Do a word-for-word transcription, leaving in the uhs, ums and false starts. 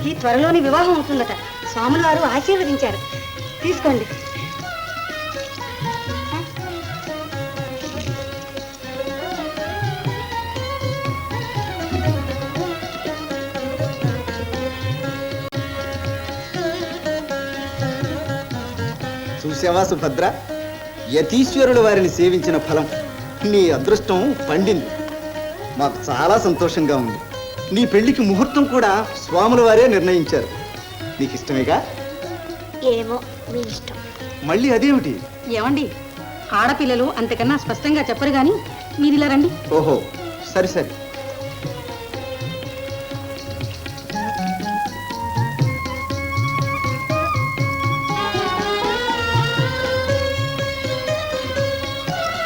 అబ్బాయికి త్వరలోని వివాహం అవుతుందట. స్వాముల వారు ఆశీర్వదించారు. తీసుకోండి. చూసావా సుభద్ర, యతీశ్వరుల వారిని సేవించిన ఫలం. నీ అదృష్టం పండింది. మాకు చాలా సంతోషంగా ఉంది. నీ పెళ్లికి ముహూర్తం కూడా స్వాముల వారే నిర్ణయించారు. నీకు ఇష్టమేగా? ఏమో, మీ ఇష్టం. మళ్ళీ అదేమిటి? ఏమండి, ఆడపిల్లలు అంతకన్నా స్పష్టంగా చెప్పరు గాని మీరు ఇలా రండి. ఓహో, సరే సరే.